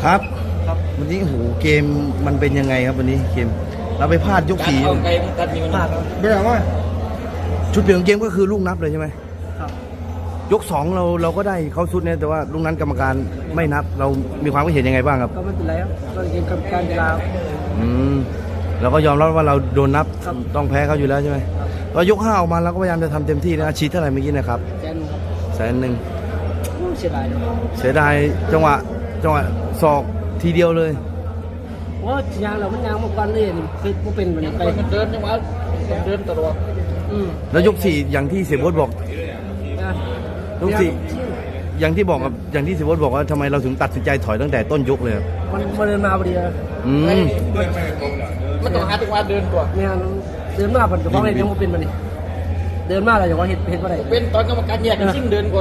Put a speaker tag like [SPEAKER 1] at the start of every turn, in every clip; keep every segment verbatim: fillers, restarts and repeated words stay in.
[SPEAKER 1] ครับวันนี้โอ้โหเกมมันเป็นยังไงครับวันนี้เกมเราไปพลาดยกสี่
[SPEAKER 2] เอาไกลตัดมีมันพลาด
[SPEAKER 1] เรื่องว่าชุดเปลี่ยนเกมก็คือลูกนับเลยใช่ไหมครับยกสองเราเราก็ได้เขาสุดเนี่ยแต่ว่าลูกนั้นกรรมการไม่นับเรามีความคิดเห็นยังไงบ้างครับ
[SPEAKER 3] ก็ไม่เป็นไรครับก็เกมกรรมการกีฬา
[SPEAKER 1] อืมเราก็ยอมรับว่าเราโดนนับต้องแพ้เขาอยู่แล้วใช่ไหมเรายกห้าออกมาเราก็พยายามจะทำเต็มที่นะอาชีพเท่าไหร่เมื่อกี้นะครับ
[SPEAKER 3] แสนครับ
[SPEAKER 1] แสนหนึ่ง
[SPEAKER 3] เสียดายนะ
[SPEAKER 1] เสียดายจังหวะจังหวะศอกทีเดียวเลย
[SPEAKER 3] ว่ายางเรามันยางมาก่อนเลยนี่คือมันเป็นแบบนี้ไป
[SPEAKER 2] มันเดินจังหวะเดินตลอด
[SPEAKER 3] อืม
[SPEAKER 1] แล้วยกสี่อย่างที่เสียโบ๊ทบอก
[SPEAKER 3] นะ
[SPEAKER 1] ยกสี่อย่างที่บอกกับอย่างที่เสียโบ๊ทบอกว่าทำไมเราถึงตัดสินใจถอยตั้งแต่ต้นยกเลยครับ
[SPEAKER 3] มันมันเดินมาพอดีนะ
[SPEAKER 1] อืม
[SPEAKER 2] มันต้องหาจังหวะเดินก่อน
[SPEAKER 3] เนี่ยเดินมาผมจะฟ้องอะไรยังไม่เป็นแบบนี้เดินมาอะไรอย่างว่าเห็นเห็นว่าอะไร
[SPEAKER 2] เป็นตอนกรรมการแยกกันชิ่งเดินก่อน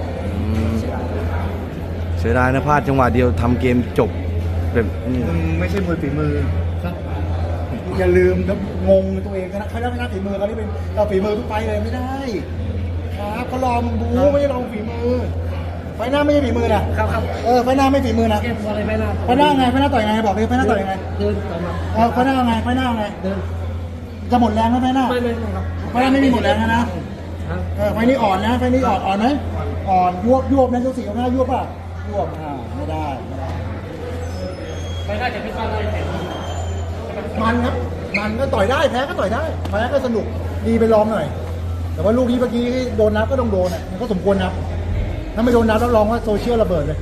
[SPEAKER 1] เสียดายนะพลาดจังหวะเดียวทำเกมจบแบบนี้
[SPEAKER 4] มึงไม่ใช่มวยฝีมือครับอย่าลืมนะงงตัวเองนะเขาไม่นับฝีมือเขาที่เป็นเราฝีมือทุกไฟเลยไม่ได้ครับเขารอมึงบูไม่ใช่รอฝีมือไฟหน้าไม่ใช่ฝีมือนะครับ
[SPEAKER 3] ครับ
[SPEAKER 4] เออไฟหน้าไม่ฝีมือนะ
[SPEAKER 3] เกมอะไรไม่น่า
[SPEAKER 4] ไฟหน้าไงไฟหน้าต่อยไงบอกเลยไฟหน้าต่อยยังไง
[SPEAKER 3] เดินต่อมา
[SPEAKER 4] เออไฟหน้าไงไฟหน้าไง
[SPEAKER 3] เดิน
[SPEAKER 4] จะหมดแรงไหมไฟหน้า
[SPEAKER 3] ไม่ไม่ไม่ครับ
[SPEAKER 4] ไฟหน้าไม่มีหมดแรงนะนะเออไฟนี้อ่อนนะไฟนี้อ่อนอ่อนไหมอ่อนยวบยวบนะยกสี่ยกห้ายวบป่ะยวบอ่าไม่ได้ไม่ได้
[SPEAKER 3] ไปได้จะพิจารณาเห็น
[SPEAKER 4] มันครับ มันก็ต่อยได้แพ้ก็ต่อยได้แพ้ก็สนุกดีไปลองหน่อย แต่ว่าลูกนี้เมื่อกี้โดนนับก็ต้องโดนอ่ะมันก็สมควรนับถ้าไม่โดนนับต้องลองว่าโซเชียลระเบิดเลย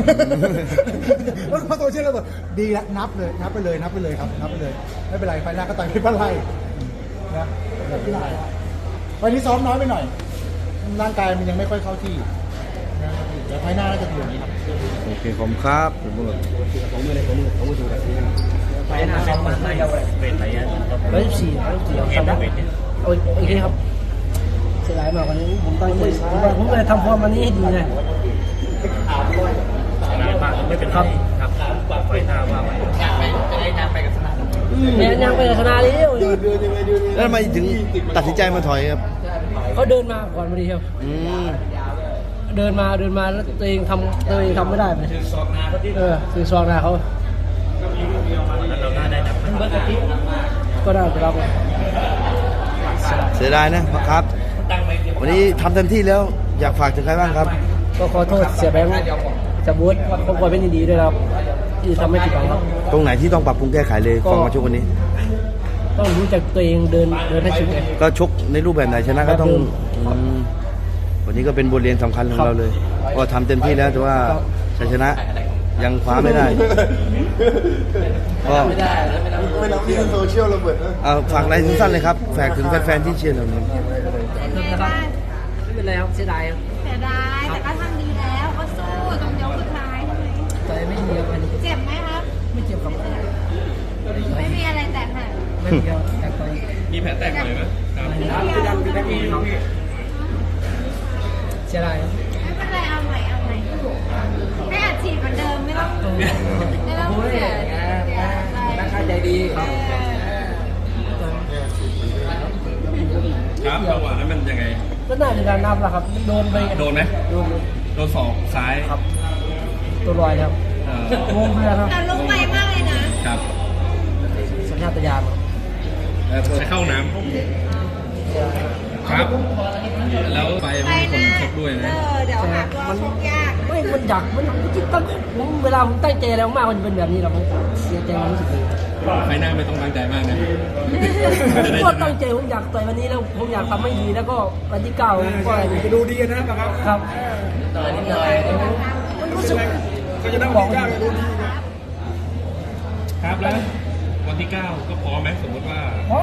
[SPEAKER 4] เพราะโซเชียลระเบิดดีแล้วนับเลยนับไปเลยนับไปเลยครับนับไปเลยไม่เป็นไรไฟหน้าก็ต่อยไม่เป็นไรนะวันนี้ซ้อมน้อยไปหน่อยร่างกายมันยังไม่ค่อยเข้าที่นะเดี๋ยวไฟหน้าน่าจะดีกว่านี้ครับ
[SPEAKER 1] โอเคผมครับเสียโบ๊ท
[SPEAKER 3] ไปหน้าซ้อมมันไม่เอาเลยเป็นไปอ่ะร้อยสิบสี่ร้อยสิบสี่เอาซ้ำเอาอีกทีครับเสียดายมากกว่านี้ผมตั้งใจผมว่าผมเลยทำฟอร์มวันนี้ให้ดีนะไม่เป็นครับครับไฟหน้าว่ามัน
[SPEAKER 2] อยากไปจะได้นำไปกับสนาม
[SPEAKER 3] แม่ยังไปชนะเลย
[SPEAKER 1] แล้วทำไมถึงตัดสินใจมาถอยครับ
[SPEAKER 3] เขาเดินมาก่อนพอดีครับ
[SPEAKER 1] อืม
[SPEAKER 3] เดินมาเดินมาแล้วตัวเองทำตัวเองทำไม่ได้เลยเออคือซองหน้าเขาก็ได้ไปรับ
[SPEAKER 1] เสียดายนะครับ วันนี้ทำเต็มที่แล้วอยากฝากถึงใครบ้างครับ
[SPEAKER 3] ก็ขอโทษเสียแบงค์จะบูธครอบครัวเป็นดีด้วยครับที่ทำให้ผิดหวังครับ
[SPEAKER 1] ตรงไหนที่ต้องปรับปรุงแก้ไขเลย
[SPEAKER 3] ก็
[SPEAKER 1] ฟังมาชกวันนี้
[SPEAKER 3] ต้องรู้จักตัวเองเดินเดินให้สุดเลย
[SPEAKER 1] ก็ชกในรูปแบบไหนชนะก็ต้อง
[SPEAKER 3] แบบเดิม
[SPEAKER 1] อืมวันนี้ก็เป็นบทเรียนสำคัญของ
[SPEAKER 3] ครับ
[SPEAKER 1] เราเลย ก็ทำเต็มที่แล้วแต่ว่า
[SPEAKER 3] ครับ
[SPEAKER 1] ชัยชนะยังคว้าไม่ได้ก็
[SPEAKER 3] ไม่ได้
[SPEAKER 4] ไม่รับที่โซเชียลระเบิดนะ
[SPEAKER 1] เอาฝากอะไรสั้นๆเลยครับฝากถึงแฟนๆที่เชียร์เราเนี่ย
[SPEAKER 5] เป็นไงบ้าง
[SPEAKER 3] ไม่เป็นไรครับเสียดายครับ
[SPEAKER 5] เสียดายแต่ก็ทำดีแล้วก็สู้ตรงยกสุดท้ายใช่ไหม
[SPEAKER 3] ต่อยไม่ดีครับอันนี้
[SPEAKER 5] เจ็บไหมครับ
[SPEAKER 3] ไม่เจ็บครับ
[SPEAKER 5] ไม่มีอะไรแตกหัก
[SPEAKER 3] ไม่มีครับแต่ต่อย
[SPEAKER 2] มีแผลแตกหน่อยไหม
[SPEAKER 5] ไม่มีอะไร
[SPEAKER 3] เสียดายครับ
[SPEAKER 5] ไม่เป็นไรเอาใหม่เอาใหม่ให้อัดฉีดเหมือนเดิมไม่ต้องไม่ต้องเสียเสียอะไร
[SPEAKER 3] ตั้งใจดีครับ
[SPEAKER 6] ครับจังหวะนั้นมันยังไง
[SPEAKER 3] ก็น่าจะการนับแหละครับโดนไป
[SPEAKER 6] โดนไหม
[SPEAKER 3] โดน
[SPEAKER 6] โดนศอกซ้าย
[SPEAKER 3] ครับตัวลอยครับ
[SPEAKER 6] เอ่อง
[SPEAKER 3] งเลยครับ
[SPEAKER 5] แต่ลุกไวมากเลยนะครับ
[SPEAKER 3] สัญชาตญาณ
[SPEAKER 6] ใช้เข้าน้ำครับ แล้วไป
[SPEAKER 5] ไป
[SPEAKER 6] ไม่มีคน
[SPEAKER 5] นะ
[SPEAKER 6] ชกด้วย
[SPEAKER 5] เอ
[SPEAKER 6] นะ
[SPEAKER 5] อเดี๋ยวหาตัวชกยาก
[SPEAKER 3] ไม่มันอยากมันจริงๆตั้งผมเวลาผมตั้งใจแล้วมากมันเป็นแบบนี้เราเสียใจมันรู้สึกดี
[SPEAKER 6] ไฟหน้าไม่ต้องตั้งใจมากนะจะได้
[SPEAKER 3] ก็
[SPEAKER 6] ช
[SPEAKER 3] ตั้
[SPEAKER 6] นะ
[SPEAKER 3] งใจผมอยากต่อยวันนี้แล้วผมอยากทำให้ดีแล้วก็วันที่เก้าผมก็
[SPEAKER 4] จะดูดีนะครับ
[SPEAKER 3] ครับ
[SPEAKER 2] ต่อยนิดหน่อย
[SPEAKER 3] มันรู้สึก
[SPEAKER 4] ก็จะนั่งบอกว่าดูดี
[SPEAKER 6] ครับแล้ววันที่เก้าก็พร้อมไหมสมมติว่า